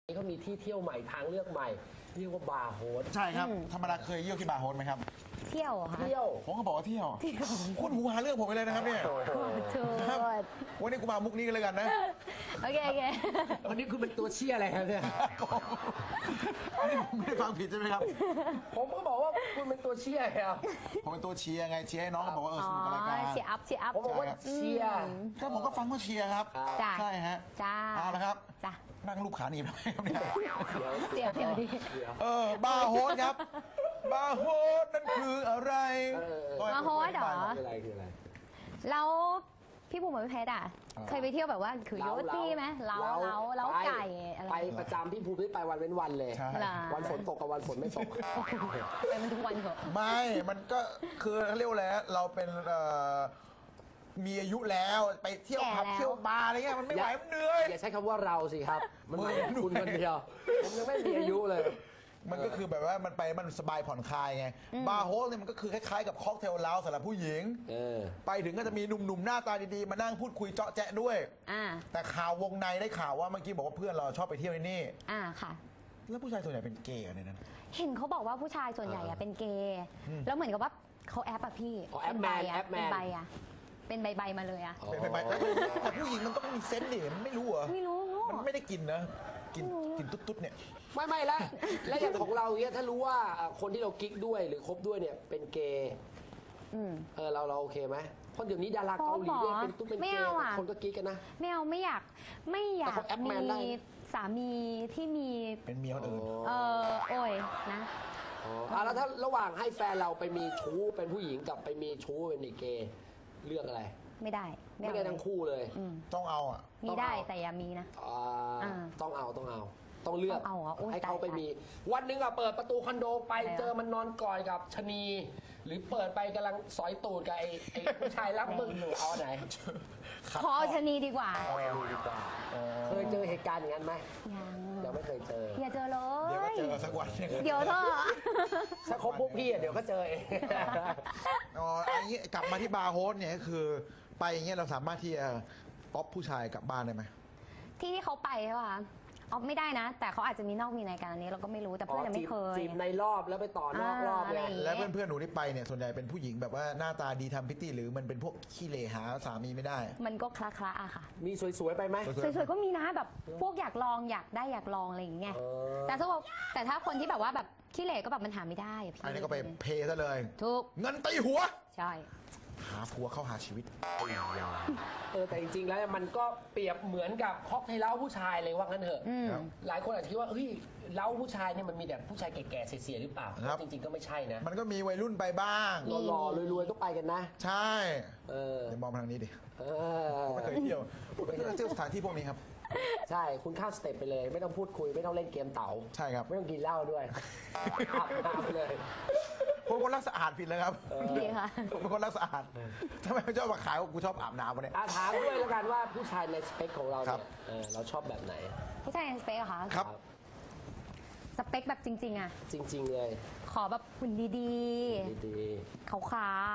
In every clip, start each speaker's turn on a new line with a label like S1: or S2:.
S1: เขามีที่เที่ยวใหม่ทางเลือกใหม่เรียกว่าบาร์โฮส
S2: ใช่ครับธรรมดาเคยเยี่ยวที่บาร์โฮสไหมครับ
S3: เที่ยวค่ะ
S1: เที่ยว
S2: ผมก็บอกว่าเที่ยวคุณหูหาเรื่องผมไปเลยนะครับเนี่ยครับวันนี้กูมามุกนี้กันเลยกันนะ
S3: โอเค
S1: วันนี้คุณเป็นตัวเชี่ยอะไรครับเนี่ย
S2: อันนี้ผมไม่ได้ฟังผิดใช่ไหมครับ
S1: ผมก็บอกว่าคุณเป็นตัวเชี่ยครับ
S2: ผมเป็นตัวเชียร์ไงเชียร์ให้น้องบอกว่าสนุกกับรายการ
S3: เชียร์อัพ
S1: ผมบอกว่าเชียร์
S2: ก็ผมก็ฟังว่าเชียร์ครับใช่ฮะเอาละครับนั่งรูปขาหนีบทำไมครับเนี่ย
S3: เสียวดิ
S2: บาร์โฮสครับบาร์โฮสนั่นคืออะไร
S3: บาร์โฮสเหรอ
S1: คืออะไร
S3: แล้วพี่ภูมิไม่เพชรเคยไปเที่ยวแบบว่าคือโยตี้ไหมเล้าไก่อะไร
S1: ไปประจำพี่ภูมิไปวันเว้นวันเลยวันฝนตกกับวันฝนไม่ตก
S3: ไปมันทุกวันเหรอ
S2: ไม่มันก็คือเรียกแล้วเราเป็นมีอายุแล้วไปเที่ยวผับเที่ยวบาร์อะไรเงี้ยมันไม่ไหวมันเหนื่อย
S1: อย่าใช้คำว่าเราสิครับมันไม่คุณคนเดียวผมยังไม่มีอายุเลย
S2: มันก็คือแบบว่ามันไปมันสบายผ่อนคลายไงบาร์โฮสเนี่ยมันก็คือคล้ายๆกับค็อกเทลเลาสำหรับผู้หญิงไปถึงก็จะมีหนุ่มๆหน้าตาดีๆมานั่งพูดคุยเจาะแจ๊ะด้วยแต่ข่าววงในได้ข่าวว่าเมื่อกี้บอกว่าเพื่อนเราชอบไปเที่ยวที่นี่
S3: ค่ะ
S2: แล้วผู้ชายส่วนใหญ่เป็นเกย์ในนั้น
S3: เห็นเขาบอกว่าผู้ชายส่วนใหญ่เป็นเกย์แล้วเหมือนกับว่าเขาแอปพี่
S1: เป็นใบ
S3: เป็นใบมาเลย
S2: เป็นใบแต่ผู้หญิงมันต้องมีเซนส์ดิมันไม่รู้เหรอ
S3: ไม่รู้
S2: มันไม่ได้กินนะกินตุ๊ดๆเนี่ย
S1: ไม่แล้วอย่างของเราเนี่ยถ้ารู้ว่าคนที่เรากิ๊กด้วยหรือคบด้วยเนี่ยเป็นเกย์เราโอเคไหมเพราะเดี๋ยวนี้ดาราเกาหลีเนี่ยเป็นตุ๊ดเป็นเกย์คนก็กิ๊กกันนะ
S3: ไม่อยากมีสามีที่มี
S2: เป็นเมียคนอื่น
S3: โอ้ยนะ
S1: แล้วถ้าระหว่างให้แฟนเราไปมีชู้เป็นผู้หญิงกับไปมีชู้เป็นเกย์เลือกอะไร
S3: ไม่ได้
S1: ทั้งคู่เลย
S2: ต้องเอา
S3: มีได้แต่อย่ามีนะ
S1: ต้องเลือกให้เขาไปมีวันหนึ่งเปิดประตูคอนโดไปเจอมันนอนกอดกับชนีหรือเปิดไปกำลังสอยตูดกับไอ้ผู้ชายรักมึงหนูเอาไหน
S3: ขอชนีดีกว่า
S1: เคยเจอเหตุการณ์อย่างนั้นไหมยังไม่เคยเจอ
S3: อย่าเจอเลย
S2: เดี๋ยวก็เจอสักวัน
S3: เดี๋ยวเถอะ
S1: ถ้าคบพวกพี่เดี๋ยวก็เจอเอง
S2: อันนี้กลับมาที่บาร์โฮสเนี่ยคือไปอย่างเงี้ยเราสามารถที่จะป๊อปผู้ชายกลับบ้านได้ไหม
S3: ที่เขาไปใช่ป่ะเอาไม่ได้นะแต่เขาอาจจะมีนอกมีในกันอันนี้เราก็ไม่รู้แต่เพื่อนยังไม่เคย
S1: จีบในรอบแล้วไปต่อนอกรอบเลย
S2: แล้วเพื่อนๆหนูที่ไปเนี่ยส่วนใหญ่เป็นผู้หญิงแบบว่าหน้าตาดีทำพิตตี้หรือมันเป็นพวกขี้เหร่หาสามีไม่ได้
S3: มันก็คละๆค่ะ
S1: มีสวยๆไปไหม
S3: สวยๆก็มีนะแบบพวกอยากลองอยากลองอะไรอย่างเงี้ยแต่ถ้าคนที่แบบว่าแบบขี้เหร่ก็แบบมันหาไม่ได้
S2: อันนี้ก็ไปเพย์ซะเลย
S3: ถูก
S2: เงินตีหัว
S3: ใช่
S2: หาผัวเข้าหาชีวิต
S1: แต่จริงๆแล้วมันก็เปรียบเหมือนกับค็อกเทลเล้าผู้ชายเลยว่างั้นเถอะหลายคนอาจจะคิดว่าเฮ้ยเล้าผู้ชายเนี่ยมันมีแต่ผู้ชายแก่ๆเสียๆหรือเปล่าจริงๆก็ไม่ใช่นะ
S2: มันก็มีวัยรุ่นไปบ้าง
S1: หล่อๆรวยๆก็ไปกันนะ
S2: ใช่เดี๋ยวมองมาทางนี้ดิไม่เคยเที่ยวไม่เคยเที่ยวสถานที่พวกนี้ครับ
S1: ใช่คุณข้ามสเต็ปไปเลยไม่ต้องพูดคุยไม่ต้องเล่นเกมเต๋า
S2: ใช่ครับ
S1: ไม่ต้องกินเหล้าด้วยอาบน้ำเลย
S2: ผมคนรักสะอาดผิดเลยครับ
S3: ดีค่ะ
S2: ผมเป็นคนรักสะอาดทำไมไม่ชอบมาขายว่ากูชอบอาบน้ำวะเนี่ย
S1: ถามด้วยแล้วกันว่าผู้ชายในสเปคของเราเนี่ยเราชอบแบบไหน
S3: ผู้ชายในสเปคเหรอคะ
S2: ครับ
S3: สเปคแบบจริง
S1: จริงเลย
S3: ขอแบบหุ่นดีๆขาว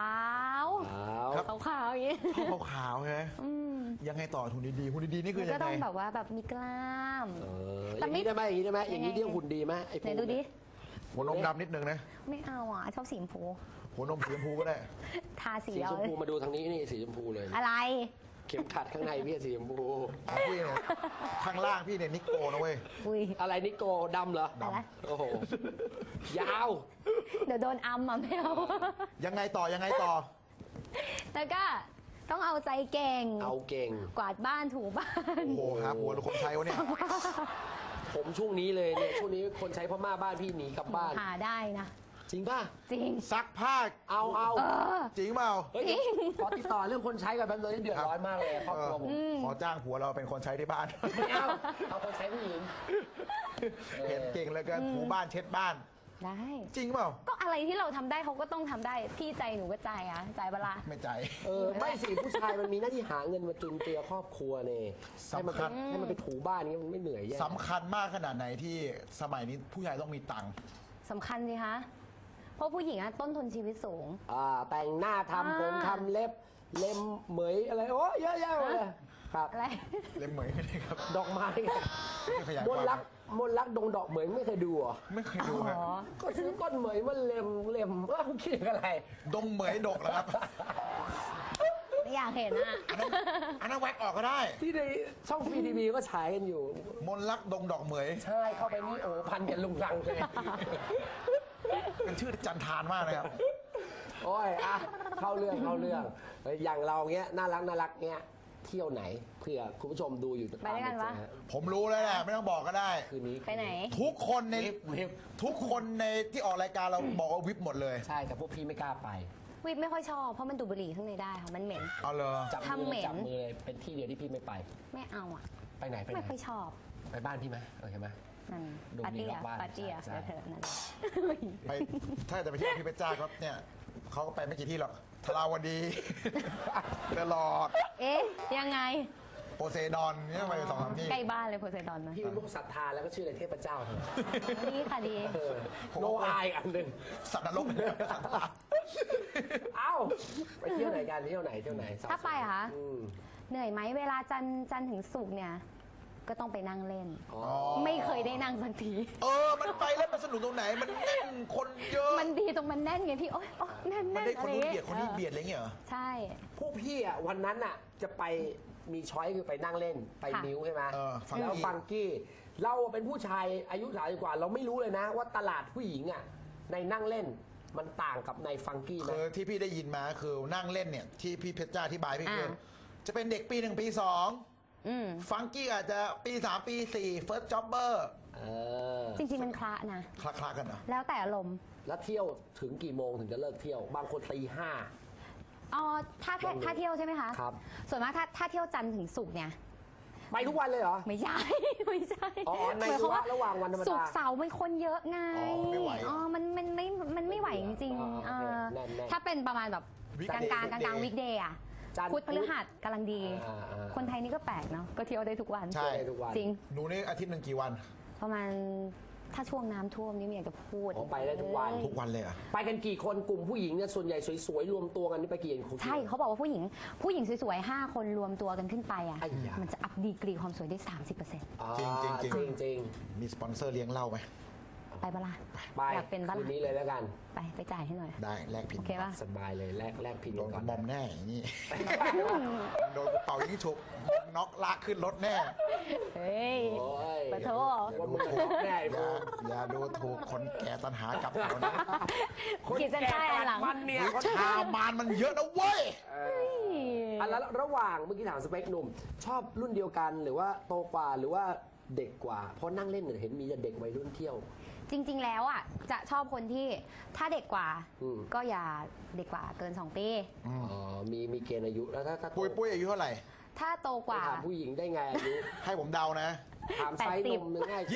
S3: อย่างนี้
S2: ขาวใช่ไหมยังไงต่อหุ่นดีหุ่นดีนี่คือยังไง
S3: ก็ต้องแบบว่าแบบมีกล้าม
S1: อย่างนี้ได้ไหมอย่างนี้เรียกหุ่นดีไหมไอ้พวก
S3: ดูดิ
S2: หัวนมดำนิดนึงนะ
S3: ไม่เอาชอบสีชมพู
S2: หัวนมสีชมพูก็ได้
S3: ทาสี
S1: ชมพูมาดูทางนี้นี่สีชมพูเลย
S3: อะไร
S1: เข็มขัดข้างในพี่สีชมพู
S2: พี่เนี่ยข้างล่างพี่เนี่ยนิโก้นะเว้ย
S1: อะไรนิโก้ดำเหรอ
S2: ดำ
S1: โอ้โหยาว
S3: เดี๋ยวโดนอัมไม่เอา
S2: ยังไงต่อ
S3: แล้วก็ต้องเอาใจเก่งกวาดบ้านถูบ้าน
S2: โอ้โหครับหัวคนใช้วะเนี่ย
S1: ผมช่วงนี้เลยเนี่ยช่วงนี้คนใช้พม่าบ้านพี่หนีกลับบ้าน
S3: หาได้นะ
S1: จริงป่ะ
S3: จริง
S2: ซักผ้า
S1: เอา
S2: จริงเปล่า
S3: จริง
S1: ขอติดต่อเรื่องคนใช้กันแบบนี้เดือดร้อนมากเลยครอบครัวผม
S2: ขอจ้างผัวเราเป็นคนใช้ที่บ้าน
S1: ไม่เอาคนใช้ผู้หญิง
S2: เห็นเก่งเลยกันถูบ้านเช็ดบ้าน
S3: ได้
S2: จริงเปล่า
S3: ก็อะไรที่เราทำได้เขาก็ต้องทำได้พี่ใจหนูก็ใจใจเวลา
S2: ไม่ใจ
S1: ไม่สิผู้ชายมันมีหน้าที่หาเงินมาจุนเจือครอบครัวเนี่ย
S2: สำคัญ
S1: ให้มันไปถูบ้านนี้มันไม่เหนื่อย
S2: สำคัญมากขนาดไหนที่สมัยนี้ผู้ชายต้องมีตังค์
S3: สำคัญสิคะเพราะผู้หญิงต้นทุนชีวิตสูง
S1: แต่งหน้าทำผมทำเล็บเล็มเหมยอะไรโอ้เยอะแยะเลยครับ
S3: อะไร
S2: เล็มเหมยไม่ได้ครับ
S1: ดอกไม้มนรักมนต์รักดงดอกเหมยไม่เคยดูเหรอ
S2: ไม่เคยดูนะ
S3: อ๋อ
S1: ก็ซื้อก้อนเหมยมาเล็มคิดอะไร
S2: ดงเหมยดกเหรอครับ
S3: ไม่อยากเห็นอ่ะ
S2: อันนั้นแว็กออกก็ได้
S1: ที่ในช่องฟรีทีวีก็ฉายกันอยู่
S2: มนต์รักดงดอกเหมย
S1: ใช่เข้าไปนี่โอ้พันกันลุงรังเลย
S2: เป็นชื่อจันทานมากนะครับ
S1: โอ้ยอ่ะเข้าเรื่องอย่างเราเงี้ยน่ารักเงี้ยเที่ยวไหนเผื่อคุณผู้ชมดูอยู่
S3: ไปด้วยกันวะ
S2: ผมรู้แล้วแหละไม่ต้องบอกก็ได้
S1: คืนนี้
S3: ไปไหน
S2: ทุกคนใน
S1: วิบ
S2: ทุกคนในที่ออกรายการเราบอกว่าวิบหมดเลย
S1: ใช่แต่พวกพี่ไม่กล้าไป
S3: วิปไม่ค่อยชอบเพราะมันดูดบุหรี่ข้างในได้ค่ะมันเหม็น
S2: เอาเลย
S1: จับ
S3: ทำเหม็น
S1: มือเลยเป็นที่เดียวที่พี่ไม่ไป
S3: ไม่เอาอ่ะ
S1: ไปไหน
S3: ไม่ค่อยชอบ
S1: ไปบ้านพี่ไหมใช่ไหม
S3: นั่น
S1: ดู
S3: ปาร์
S1: มี
S3: ตี้
S1: รอบบ้าน
S3: ปาร์ตี้
S1: ใช่
S3: เดี๋ยวเธอนั่น
S2: ไปถ้าจะไปเที่ยวพี่เพชรจ้าก็เนี่ยเขาก็ไปไม่กี่ที่หรอกทราวดีเดลอด
S3: เอ๊ะยังไง
S2: โปเซดอนเนี่ยไปสองสามที่
S3: ใกล้บ้านเลยโพไซดอนนะ
S1: พี่เป็นลูกศรัทธาแล้วก็ชื่ออะไรเทพเจ้าเถอะ
S3: ดีค่ะดี
S1: โนอายอันหนึ่ง
S2: สัตว์นรกสัตว์นรก
S1: เอ้าไปเที่ยวไหนกันเที่ยวไหน
S3: ถ้าไปเหรอคะ
S1: อืม
S3: เหนื่อยไหมเวลาจันทร์ถึงศุกร์เนี่ย ก็ต้องไปนั่งเล่น
S1: อ๋อ
S3: ไม่เคยได้นั่งสักที
S2: มันไปแล้วมันสนุกตรงไหนมันแน่นคนเยอะ
S3: มันดีตรงมันแน่นไงพี่โอ๊ยแน่น
S2: มัน
S3: แน่น
S2: ได้ค
S3: อะ
S2: น
S3: ไร
S2: นู้น
S3: เงี้
S2: เบียดคนนี้เบียดอะไรเงี้ยเหรอ
S3: ใช่
S1: พวกพี่อ่ะวันนั้นอ่ะจะไปมีช้อยคือไปนั่งเล่นไป
S3: ค่ะ
S1: มิ้วใช่ไหม
S2: ฟังกี้
S1: แล้วฟังกี้เราเป็นผู้ชายอายุ30กว่า เราไม่รู้เลยนะ ว่าตลาดผู้หญิงอ่ะในนั่งเล่นมันต่างกับในฟังกี้ไหม
S2: คือที่พี่ได้ยินมาคือนั่งเล่นเนี่ยที่พี่เพชรจ้าอธิบายพี่คือ
S3: อ่า
S2: จะเป็นเด็กปี 1 ปี
S3: อืม
S2: 2ฟังกี้อาจจะปี 3 ปี 4 first jobber
S1: เออ
S3: จริงๆมันคละนะ
S2: คลาๆกันเหรอ
S3: แล้วแต่อารมณ์
S1: แล้วเที่ยวถึงกี่โมงถึงจะเลิกเที่ยว บางคนตี 5
S3: อ๋อถ้าเที่ยวใช่ไหมคะ
S1: ครับ
S3: ส่วนมากถ้าเที่ยวจันทร์ถึงศุกร์เนี่ย
S1: ไปทุกวันเลยเหรอ
S3: ไม่ใช่ ไม่ใช่
S1: อ๋อใน
S3: หมายความ
S1: ระหว่างวันธรรมดา
S3: ศุกร์เสาร์มันคนเยอะไง
S2: ไม่ไหว
S3: อ๋อมันไม่ไหวจริงๆ
S1: อ๋อโอเค
S3: เออ
S1: แน่นๆ
S3: ถ้าเป็นประมาณแบบกลางวิกเดย์อะ
S1: จันทร์
S3: พุธพฤหัสกำลังดี
S1: อ่า
S3: คนไทยนี่ก็แปลกเนาะก็เที่ยวได้ทุกวัน
S2: ใช่
S1: ไปทุกวัน
S3: จริง
S2: หนูนี่อาทิตย์หนึ่งกี่วัน
S3: ประมาณถ้าช่วงน้ำท่วมนี่ไม่อยากจะพูด
S1: อ๋อไปได้ทุกวัน
S2: ทุกวันเลยเหรอ่ะ
S1: ไปกันกี่คนกลุ่มผู้หญิงเนี่ยส่วนใหญ่สวยๆรวมตัวกันนี่ไปกี่คน
S3: ใช่เขาบอกว่าผู้หญิงสวยๆ5 คนรวมตัวกันขึ้นไปอ่ะ
S1: ไอ้ยามั
S3: มันจะอัพดีกรีความสวยได้ 30%
S1: อ่า
S2: จริง
S1: ๆ
S2: มีสปอนเซอร์เลี้ยงเหล้าไหม
S3: ไปปะล่ะ
S1: ไป
S3: อยากเป็นปะ
S1: คื
S3: ล่ะ
S1: นนี้เลยแล้วกัน
S3: ไปจ่ายให้หน่อย
S2: ได้แลกผิด
S3: โอเคป่ะ
S1: สบายเลยแลกพิน
S2: โดน
S1: ก่อน
S2: บอมแน่อย่างนี้ โดนกระเป๋ายิงฉุบน็อกลากขึ้นรถแน่
S3: เฮ้ย
S1: โอ้ย
S3: ปะโถ
S1: ว่ามึงจะแน่ไอ้
S2: อ
S1: พว
S2: ย่าก อย่าดูถูกคนแก่ตันหากลับแถวนั้น
S3: ขีดเส้นใต้อันหลัง
S1: มันเนี่ย
S2: วิชามานมันเยอะนะเว้ย
S1: อันแล้วระหว่างเมื่อกี้ถามสเปคหนุ่ม ชอบรุ่นเดียวกันหรือว่าโตกว่าหรือว่าเด็กกว่า เพราะนั่งเล่นเนี่ยเห็นมีแต่เด็กวัยรุ่นเที่ยว
S3: จริง ๆ แล้วอ่ะจะชอบคนที่ถ้าเด็กกว่า
S1: อืม
S3: ก็อย่าเด็กกว่าเกิน 2 ปี
S1: อ๋อมีเกณฑ์อายุแล้วถ้าโต
S2: ปุ้ยอายุเท่าไหร่
S3: ถ้าโตกว่า
S1: ถามผู้หญิงได้ไงอายุ
S2: ให้ผมเดานะ
S1: ถามไซส์นมง่ายกว่า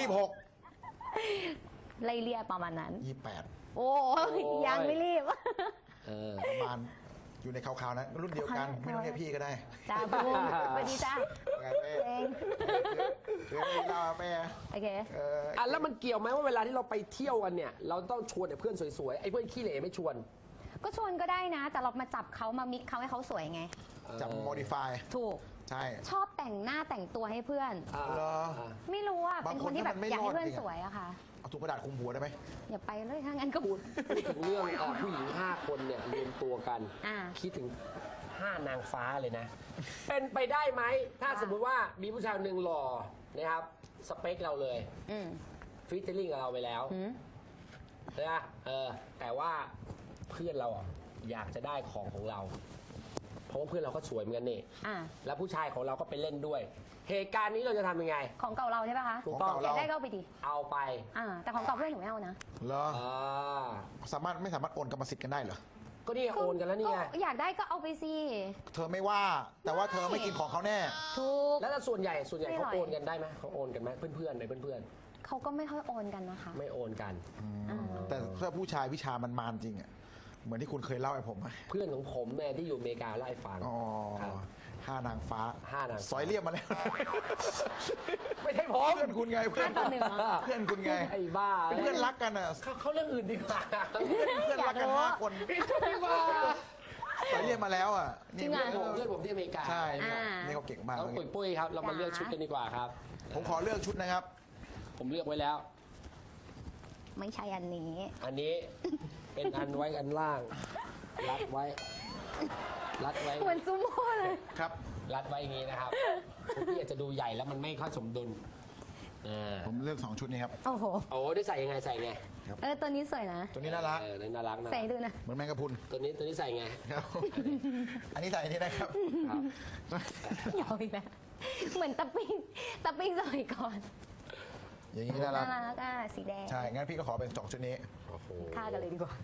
S2: 26
S3: ไล่เลี่ยประมาณนั้น
S2: 28
S3: โอ้ยยังไม่รีบ
S1: เออ
S2: ประมาณอยู่ในคร่าวๆนะรุ่นเดียวกันไม่ต้องเรียกพี่ก็ได้
S3: จ้าบูมสวัสดีจ้า
S2: ไงเป้
S3: เอง
S2: เรื่องนี้เล่าเป้
S3: โอเค
S1: อ่ะแล้วมันเกี่ยวไหมว่าเวลาที่เราไปเที่ยวกันเนี่ย เราต้องชวนแต่เพื่อนสวยๆไอ้เพื่อนขี้เหร่ไม่ชวน
S3: ก็ชวนก็ได้นะ แต่เรามาจับเขามามิกเขาให้เขาสวยไง
S2: จับโมดิฟาย
S3: ถูก
S2: ใช่
S3: ชอบแต่งหน้าแต่งตัวให้เพื่อน
S2: เหรอ
S3: ไม่รู้อ่ะ
S2: บา
S3: เป็
S2: ง
S3: น
S2: ค
S3: คน นที่แบบ
S2: ถ้ามันไม่
S3: อยากให้เพื่อน
S2: รอดจริงอะ
S3: สวยอะค่ะ
S2: เอาถุงกระดาษคลุมหัวได้ไหม
S3: อย่าไปเลยถ้างั้นก็
S1: พูดถึงเรื่องผู้หญิง 5 คนเนี่ยรวมตัวกัน
S3: อ่า
S1: คิดถึง 5 นางฟ้าเลยนะ เป็นไปได้ไหม ถ้าสมมุติว่ามีผู้ชายหนึ่งหล่อนะครับ สเปคเราเลย
S3: อืม
S1: ฟิชเชอร์ลิงกับเราไปแล้ว
S3: หืม
S1: นะแต่ว่าเพื่อนเราอ่ะอยากจะได้ของเรา เพราะว่าเพื่อนเราก็สวยเหมือนกันนี่
S3: อ่า
S1: แล้วผู้ชายของเราก็ไปเล่นด้วย เหตุการณ์นี้เราจะทำยังไง
S3: ของเก่าเราใช่ปะคะ
S1: ถูกต้อง
S3: อยากได้ก็เอาไปดิ
S1: เอาไป
S3: แต่ของเก่าเพื่อนหนูไม่เอานะ
S2: เหรอ
S1: อ่า
S2: ไม่สามารถโอนกรรมสิทธิ์กันได้เหรอ
S1: ก็นี่โอนกันแล้วนี่ไง
S3: ก็อยากได้ก็เอาไปสิ
S2: เธอไม่ว่า แต่ว่าเธอไม่กินของเขาแน่
S3: ถูก
S1: แล้วส่วนใหญ่
S3: ไม่
S1: เขา
S3: อร่อย
S1: โอนกันได้ไหมเขาโอนกันไหมเพื่อนในเพื่อน
S3: เขาก็ไม่ค่อยโอนกันนะคะ
S1: ๆไม่โอนกัน
S2: แต่ถ้าผู้ชายวิชามันมานจริงอ่ะ เหมือนที่คุณเคยเล่าให้ผมอะ
S1: เพื่อนของผมเนี่ยที่อยู่อเมริกาเล่าให้ฟัง
S2: อ๋อ
S1: ครับ
S2: 5 นางฟ้า
S1: 5 นางฟ้า
S2: สอยเรียบมาแล้ว
S1: ไม่ใช่ผม
S2: เพื่อนคุณไงเพื่อน
S3: 5 ต่อ 1
S2: เพื่อนคุณไง
S1: ไอ้บ้า
S2: เป็นเพื่อนรักกันอ่ะ
S1: เขาเรื่องอื่นดีกว่า
S2: เพื่อนรักกัน5 คน
S1: ดีกว่า
S2: สอยเรียบมาแล้วอ่ะ
S3: จริงเหรอ
S1: เพื่อนผมที่อเมริกา
S2: ใช่เนี่ยนี่เขาเก่งมาก
S1: น้องปุ้ยครับ เรามาเลือกชุดกันดีกว่าครับ
S2: ผมขอเลือกชุดนะครับ
S1: ผมเลือกไว้แล้ว
S3: ไม่ใช่อันนี้
S1: อันนี้เป็นอันไว้อันล่าง รัดไว้ รัดไว้
S3: เหมือนซูโม่เลย
S2: ครับ
S1: รัดไว้อย่างนี้นะครับคุณพี่อาจจะดูใหญ่แล้วมันไม่ค่อยสมดุล
S2: ผมเลือก2ชุดนี้ครับ
S3: โอ้โห
S1: โอ้ได้ใส่ยังไงใส่ไง
S3: ตัวนี้สวยนะ
S2: ตัวนี้น่ารัก
S1: น่ารักนะ
S3: ใส่ดูนะ
S2: เหมือนแมงกะพรุน
S1: ตัวนี้ใส่ไง
S2: ครับ อันนี้ใส่อันนี้ได้ครับ
S1: ครับ
S3: ยาวอีกแล้วเหมือนตะปิ้งสมัยก่อน
S2: อย่างนี้น่ารั
S3: น่าก รักอ่ะสีแดง
S2: ใช่ งั้นพี่ก็ขอเป็น2ชุดนี้
S1: โอ้โห
S3: ฆ่ากันเลยดีกว่า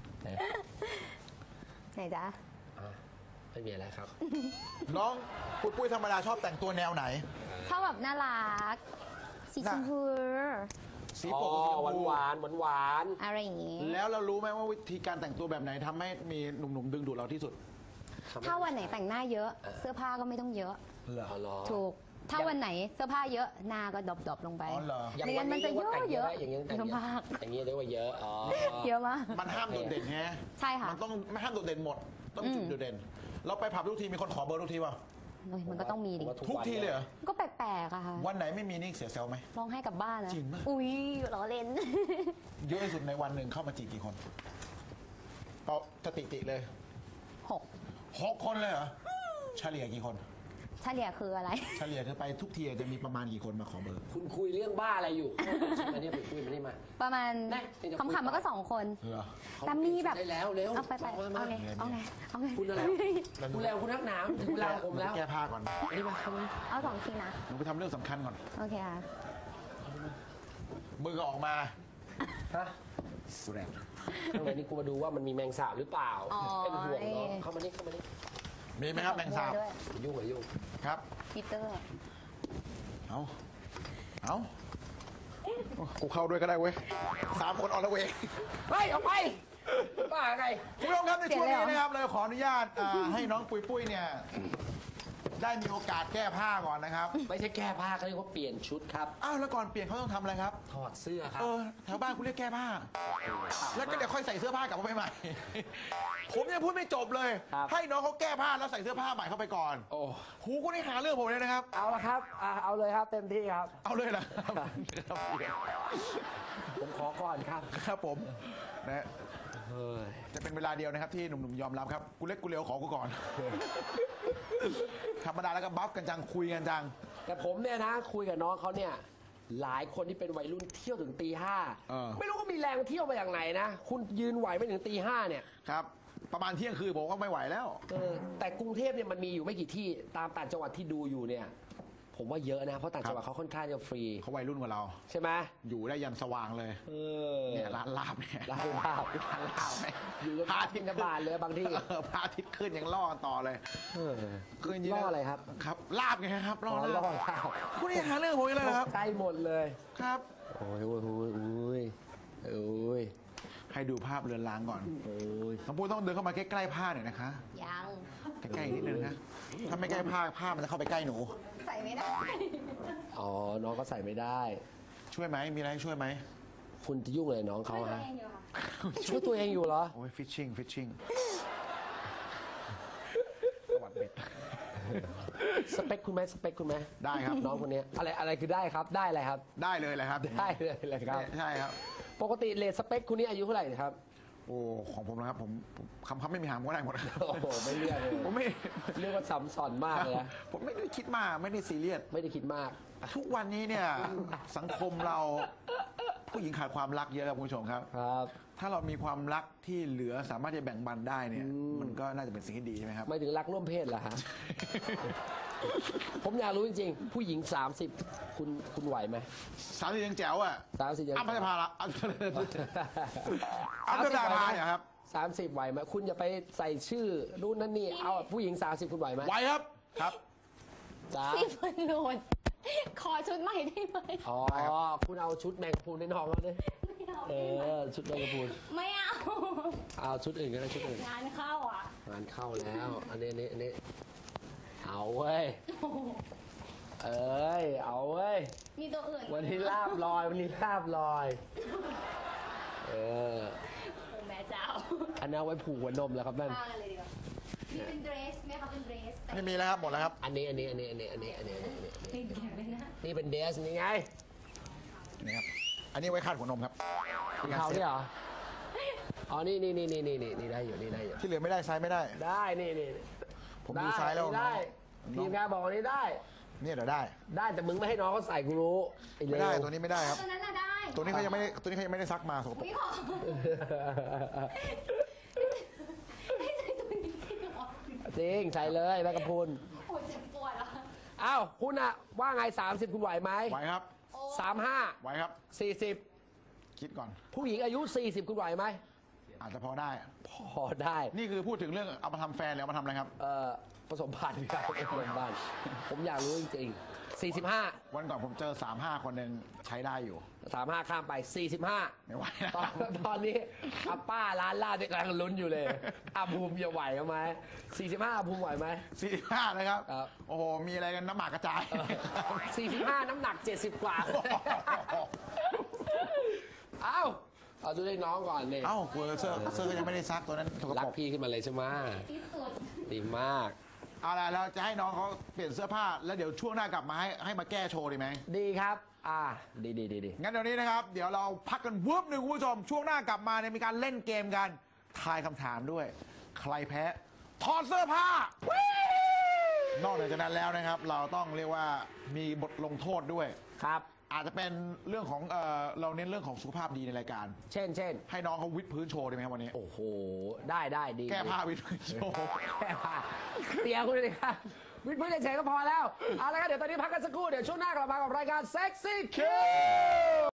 S3: ไหนจ๊ะ
S1: อ่ะไม่มีอะไรครับ
S2: น้องปุ้ยธรรมดาชอบแต่งตัวแนวไหน
S3: ชอบแบบน่ารัก สีชมพู
S2: สี
S1: อ๋อ
S2: ปกสีชม
S1: หวาน
S2: พู
S1: หวานหวาน
S3: อะไรอย่างงี้
S2: แล้วเรารู้ไหมว่าวิธีการแต่งตัวแบบไหนทำให้มีหนุ่มๆดึงดูดเราที่สุด
S3: ถ้าวันไหนแต่งหน้าเยอะ เสื้อผ้าก็ไม่ต้องเยอะ
S2: เหรอ
S1: อ๋อเหรอ
S3: ถูก ถ้าวันไหนเสื้อผ้าเยอะหน้าก็ดรอปลงไป
S2: อ๋อเหรอ
S1: อย่าง
S3: ไม่งั้นมันจะ
S1: รีกว่าแต่ง
S3: เยอะ
S1: ได้อย่างนี้แต่ง
S3: เยอะมาก
S1: อย่างนี้เรียกว่าเยอะ อ๋อ
S3: เยอะมาก
S2: มันห้ามโดดเด่นไง
S3: ใช่ค่ะ
S2: มันต้องไม่ห้ามโดดเด่นหมด ต้องจุดโดดเด่น เราไปผับทุกทีมีคนขอเบอร์ทุกทีป่ะ
S3: เฮ้ยมันก็ต้องมีดิ
S2: ทุกทีเลยเหรอ
S3: ก็แปลกๆอะค่ะ
S2: วันไหนไม่มีนี่เสียเซลลไหม
S3: ร้องให้กลับบ้านนะ
S2: จริงปะ
S3: อุ้ยล้อเล่น
S2: เยอะที่สุดในวันหนึ่งเข้ามาจีบกี่คนเอาสถิติเลย
S3: 6
S2: 6 คนเลยเหรอ เฉลี่ยกี่คน
S3: เฉลี่ยคืออะไร
S2: เฉลี่ยคือไปทุกทีจะมีประมาณกี่คนมาขอเบอร์
S1: คุณคุยเรื่องบ้าอะไรอยู่มาเนี่ยไปคุยมานี่มา
S3: ประมาณ
S1: ได้เดี๋ยวคุย
S3: คำๆมันก็
S1: ต่อ
S3: 2 คน
S2: เหรอ
S3: แต่มีแบบ
S1: ได้แล้วเร็ว
S3: เอาไป
S1: มา
S3: เอาไงเอาไงเอาไง
S1: คุณอะไรคุณแล้วคุณนักหนามถึงเวลาผมแล้ว
S2: แก้ผ้าก่อน
S1: นี่มาทำไม
S3: เอา2 ทีนะ
S2: หนูไปทำเรื่องสำคัญก่อน
S3: โอเคค่ะ
S2: มือก็ออกมา
S1: ฮะ
S2: สุดแรง
S1: ข้างในนี่กูมาดูว่ามันมีแมงสาบหรือเปล่า
S3: อ๋อ
S1: เป็นห่วงเนาะเข้ามานี่เข้ามานี่
S2: มีไหมครับแมงสาบ
S3: ด้วย
S1: ยุ่งเหรอยุ่ง
S2: ครับ
S3: ปีเตอร์
S2: เอากูเข้าด้วยก็ได้เว้ย3 คนออกแล้วเว้ย
S1: เฮ้ยออกไปบ้าไง
S2: คุณผู้ชมครับในช่วงนี้นะครับเราขออนุญาตให้น้องปุ้ยเนี่ยได้มีโอกาสแก้ผ้าก่อนนะครับ
S1: ไม่ใช่แก้ผ้าเขาเรียกว่าเปลี่ยนชุดครับ
S2: อ้าวแล้วก่อนเปลี่ยนเขาต้องทำอะไรครับ
S1: ถอดเสื้อครับ
S2: แถวบ้านคุณเรียกแก้ผ้า แล้วก็เดี๋ยวค่อยใส่เสื้อผ้ากลับมาใหม่ ผมยังพูดไม่จบเลย ให้น้องเขาแก้ผ้าแล้วใส่เสื้อผ้าใหม่เข้าไปก่อน
S1: โอ้
S2: หูคุณนี่หาเรื่องผมเลยนะครับ
S1: เอาละครับเอาเลยครับเต็มที่ครับ
S2: เอาเลยเหรอ
S1: ผมขอก่อนครับ
S2: ครับผมนะ
S1: เฮ้ย
S2: จะเป็นเวลาเดียวนะครับที่หนุ่มๆยอมรับครับกูเล็กกูเร็วขอกูก่อน ธรรมดาแล้วก็บัฟกันจังคุยกันจัง
S1: แต่ผมเนี่ยนะคุยกับน้องเขาเนี่ยหลายคนที่เป็นวัยรุ่นเที่ยวถึงตี 5ไม่รู้ก็มีแรงเที่ยวมาอย่างไหนนะคุณยืนไหวไม่ถึงตี 5เนี่ย
S2: ครับ ประมาณเที่ยงคืนผมก็ไม่ไหวแล้ว
S1: แต่กรุงเทพเนี่ยมันมีอยู่ไม่กี่ที่ตามต่างจังหวัดที่ดูอยู่เนี่ยผมว่าเยอะนะเพราะต่างจังหวัดเขาค่อนข้างจะฟรี
S2: เขาวัยรุ่นกว่าเรา
S1: ใช่ไหม
S2: อยู่ได้ยันสว่างเลย เนี่ยร้านลาบเนี่ย
S1: ร้านลาบ
S2: ร้านลาบเนี่ย
S1: อยู่กับพระอาทิตย์บานเลยบางที่
S2: พระอาทิตย์ขึ้นยังล่อกันต่อเลยคืนนี้
S1: ล่ออะไรครับ
S2: ครับลาบไงครับล่อ
S1: ล่อ
S2: ลาบ
S1: ข้าว
S2: คุณนี่หาเรื่องผมอีกแล้วนะครับ
S1: ใกล้หมดเลย
S2: ครับ
S1: โอ้ยโอ้ยโอ้ยโอ้ยโอ้ย
S2: ให้ดูภาพเรือนรางก่อน
S1: โอ้ย
S2: น้องปูต้องเดินเข้ามาใกล้ๆผ้าหน่อยนะคะ
S3: ยัง
S2: ใกล้ๆนิดนึงนะถ้าไม่ใกล้ผ้ามันจะเข้าไปใกล้หนู
S3: ใส่ไม่ได้
S1: อ๋อน้องก็ใส่ไม่ได้
S2: ช่วยไหมมีอะไรให้ช่วยไหม
S1: คุณจะยุ่งอะไรน้องเขา
S3: ตัว
S1: ฮะ
S3: เองอยู่ค่ะ
S1: ช่วยตัวเองอยู่เหรอ
S2: โอ้ยฟิชชิ่งสวัสดี
S1: สเปคคุณไหมสเปคคุณไหม
S2: ได้ครับ
S1: น้องคนนี้อะไรคือได้ครับได้อะไรครับ
S2: ได้เลยแหละครับ
S1: ได้เลยครับ
S2: ใช่ครับ
S1: ปกติเลทสเปคคุณนี่อายุเท่าไหร่ครับ
S2: โอ้ของผมนะครับผมคำไม่มีหางผมก็ได้หมดครับ
S1: โอ้โหไม่เลือกเลย
S2: ผมไม่
S1: เรียกว่าซ้ำซ้อนมากเลยนะ
S2: ผมไม่ได้คิดมากไม่ได้ซีเรียส
S1: ไม่ได้คิดมาก
S2: ทุกวันนี้เนี่ยสังคมเราผู้หญิงขาดความรักเยอะครับคุณผู้ชมครับ
S1: ครับ
S2: ถ้าเรามีความรักที่เหลือสามารถจะแบ่งปันได้เนี่ยมันก็น่าจะเป็นสิ่งที่ดีใช่ไหมครับ
S1: ไม่ถึงรักร่วมเพศเหรอฮะ ผมอยากรู้จริงๆ ผู้หญิง 30 คุณไหวไหม
S2: 30ยังแจ๋วอ่ะ
S1: 30ยัง
S2: อ้ำพัชภาละอ้ำพัชภาเนี่ยครับ
S1: 30ไหวไหมคุณอย่าไปใส่ชื่อรุ่นนั้นนี่เอาผู้หญิง 30 คุณไหวไหม
S2: ไหวครับครับ
S1: จ้า
S3: พี่พนนขอชุดใหม่ได้ไหม
S1: อ๋อคุณเอาชุดแมงกะพรุนให้น้องเขาดิ
S3: ไม่เอา
S1: ชุดแมงกะพรุน
S3: ไม่เอา
S1: เอาชุดอื่นก็ได้ชุดอื่น
S3: งานเข้าอ่ะ
S1: งานเข้าแล้ว อันนี้เอาเว้ยเอ้ยเอาเว้ย
S3: มีตัวอื่น
S1: วันนี้ลาบลอยวันนี้ลาบลอยเออ
S3: โอ้แม่เจ้า
S1: อันนั้นเอาไว้ผูกหัวนมแล้วครับนั่น
S3: ฆ่ากันเลยดีกว่านี่เป็นเดรสไหมคะเป็นเดรสแต่
S2: ไม่มีแล้วครับหมดแล้วครับ
S1: อันนี้
S3: ไม่แข็งเลยนะ
S1: นี่เป็นเดสนี่ไง
S2: นี่ครับอันนี้ไว้คาดหัวนมครับ
S1: เขาเนี่ยเหรออ๋อนี่ได้อยู่นี่ได้อยู่
S2: ที่เหลือไม่ได้ไซส์ไม่ได้
S1: ได้นี่
S2: ผมดูไซส์แล้ว
S1: ได้ทีมงานบอกว่านี่ได้
S2: เนี่ยเดี๋ยวได้
S1: ได้แต่มึงไม่ให้น้องเขาใส่กูรู้ไอ้เล
S2: ไม่ได้
S1: ว
S2: ตัวนี้ไม่ได้ครับ
S3: ตัวนั้นน่ะได้
S2: ตัวนี้เขายังไม่ได้ซักมาสกปรก
S3: พี่ขอให้ใส่ตัวนี้จริงเหรอ
S1: จริงใส่เลยแม่กระพุน
S3: โอ้ยเจ็บปวดอ่ะ
S1: อ้าวคุณอะว่าไง30คุณไหวไหม
S2: ไหวครับ
S1: 35
S2: ไหวครับ
S1: 40
S2: คิดก่อน
S1: ผู้หญิงอายุ40คุณไหวไหม
S2: อาจจะพอได้
S1: พอได้
S2: นี่คือพูดถึงเรื่องเอามาทำแฟนหรือเอามาทำอะไรครับ
S1: ผสมพันธุ์ครับผสมพันธุ์ผมอยากรู้จริงๆ45
S2: วันก่อนผมเจอ 35 คนหนึ่งใช้ได้อยู่
S1: 35ข้ามไป45
S2: ไม่ไหวนะ
S1: ตอนนี้อาป้าร้านลาบกำลังลุ้นอยู่เลยอาภูมิจะไหวไหม45อาภูมิไหวไหม
S2: 45นะครับ
S1: ครับ
S2: โอ้โห มีอะไรกันน้ำหมากกระจาย
S1: 45น้ำหนัก70กว่าเอาดูได้น้องก่อนนี่
S2: เอ้าเสื้อก็ยังไม่ได้ซักตัวนั้นถูกก
S1: รั
S2: ระ
S1: ก
S2: ปก
S1: พี่ขึ้นมาเลยใช่ไหม
S3: ที่สุด
S1: ดีมาก
S2: เอาล่ะเราจะให้น้องเขาเปลี่ยนเสื้อผ้า แล้วเดี๋ยวช่วงหน้ากลับมาให้มาแก้โชว์ดีไหม
S1: ดีครับดี
S2: งั้นเดี๋ยวนี้นะครับ เดี๋ยวเราพักกันวืบหนึ่งคุณผู้ชม ช่วงหน้ากลับมาเนี่ยมีการเล่นเกมกันทายคำถามด้วย ใครแพ้ถอดเสื้อผ้านอกจากนั้นแล้วนะครับ เราต้องเรียกว่ามีบทลงโทษด้วย
S1: ครับ
S2: อาจจะเป็นเรื่องของเราเน้นเรื่องของสุขภาพดีในรายการ
S1: เช่น
S2: ให้น้องเขาวิดพื้นโชว์ดีไหมครับวันนี้
S1: โอ้โหได้ดี
S2: แก้ผ้าวิดพื้นโชว์
S1: แก้ผ้าเตียคุณเลยครับวิทย์พื้นเฉยๆก็พอแล้วเอาละครับเดี๋ยวตอนนี้พักกันสักครู่เดี๋ยวช่วงหน้ากลับมากับรายการ Sexy Q